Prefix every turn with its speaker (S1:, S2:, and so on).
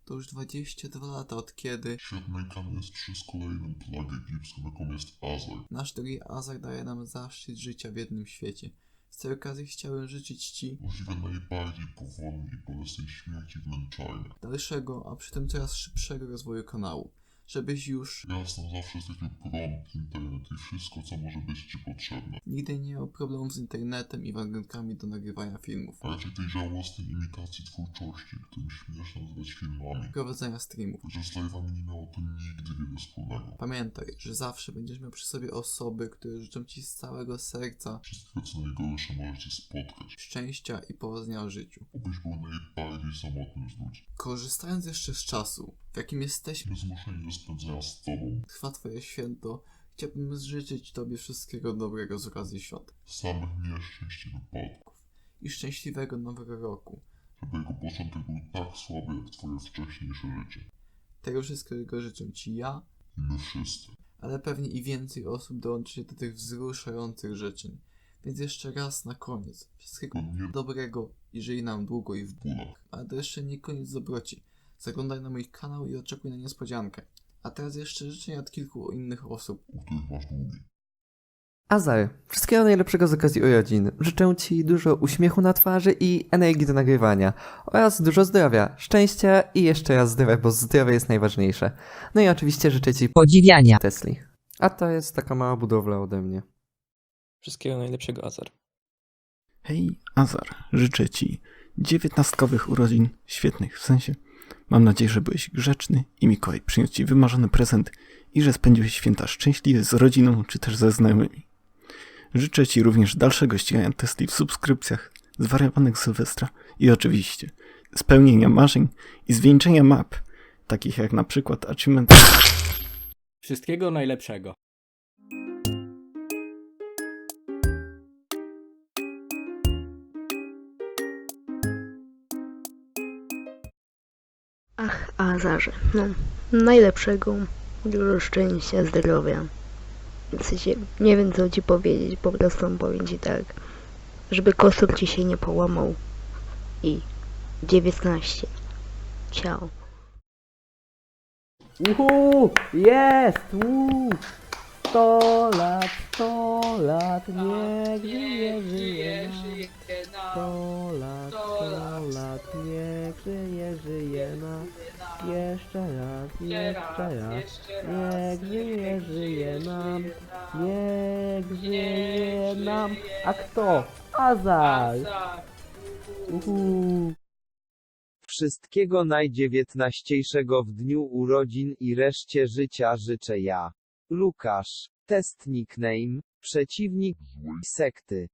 S1: To już 22 lata od kiedy
S2: Świat nękany jest przez kolejną plagę egipską, jaką jest Azar.
S1: nasz drogi Azar daje nam zaszczyt życia w jednym świecie. Z tej okazji chciałem życzyć Ci
S2: Możliwie najbardziej powolnej i bolesnej śmierci w męczarniach.
S1: dalszego, a przy tym coraz szybszego rozwoju kanału. Żebyś już
S2: Jasno, zawsze stracił prąd, internet i wszystko, co może być Ci potrzebne.
S1: nigdy nie miał problemów z internetem i warunkami do nagrywania filmów,
S2: A raczej tej żałosnej imitacji twórczości, którą śmiesz nazywać filmami.
S1: prowadzenia streamów.
S2: Chociaż z live'ami nie miało to nigdy wiele wspólnego.
S1: Pamiętaj, że zawsze będziesz miał przy sobie osoby, które życzą Ci z całego serca
S2: Wszystkiego, co najgorsze może Cię spotkać.
S1: szczęścia i powodzenia w życiu.
S2: Obyś był najbardziej samotnym z ludzi.
S1: Korzystając jeszcze z czasu, w jakim jesteśmy,
S2: Zmuszeni do spędzenia z Tobą.
S1: trwa Twoje święto, chciałbym życzyć Tobie wszystkiego dobrego z okazji świąt
S2: Samych nieszczęść i wypadków.
S1: i szczęśliwego nowego roku.
S2: Żeby jego początek był tak słaby, jak Twoje wcześniejsze życie.
S1: Tego wszystkiego życzę Ci ja,
S2: I my wszyscy.
S1: ale pewnie i więcej osób dołączy się do tych wzruszających życzeń. Więc jeszcze raz na koniec, wszystkiego
S2: To nie
S1: dobrego i żyj nam długo i w
S2: bólach.
S1: Ale to jeszcze nie koniec dobroci. Zaglądaj na mój kanał i oczekuj na niespodziankę. A teraz jeszcze życzenia od kilku innych osób.
S2: U których masz długi.
S3: Azar, wszystkiego najlepszego z okazji urodzin. Życzę Ci dużo uśmiechu na twarzy i energii do nagrywania. Oraz dużo zdrowia, szczęścia i jeszcze raz zdrowia, bo zdrowie jest najważniejsze. No i oczywiście życzę Ci
S4: podziwiania.
S3: Tesli. A to jest taka mała budowla ode mnie.
S5: Wszystkiego najlepszego, Azar.
S6: Hej, Azar, życzę Ci 19-kowych urodzin, świetnych, w sensie. Mam nadzieję, że byłeś grzeczny i Mikołaj przyniósł Ci wymarzony prezent i że spędziłeś święta szczęśliwie z rodziną czy też ze znajomymi. Życzę Ci również dalszego ścigania Tesli w subskrypcjach, zwariowanych Sylwestra i oczywiście spełnienia marzeń i zwieńczenia map, takich jak na przykład Achievement.
S7: Wszystkiego najlepszego.
S8: Ach, Azarze, no, najlepszego, dużo szczęścia, zdrowia. W sensie, nie wiem co Ci powiedzieć, po prostu powiem Ci tak, żeby kostur Ci się nie połamał. I 19. Ciao.
S3: Jest! 100 lat, niech żyje nam. 100 lat, niech żyje nam. Jeszcze raz, niech żyje nam. Niech żyje nam. A kto? Azar!
S9: Wszystkiego najdziewiętnaściejszego w dniu urodzin i reszcie życia życzę ja. Lukasz. Test nickname. Przeciwnik sekty.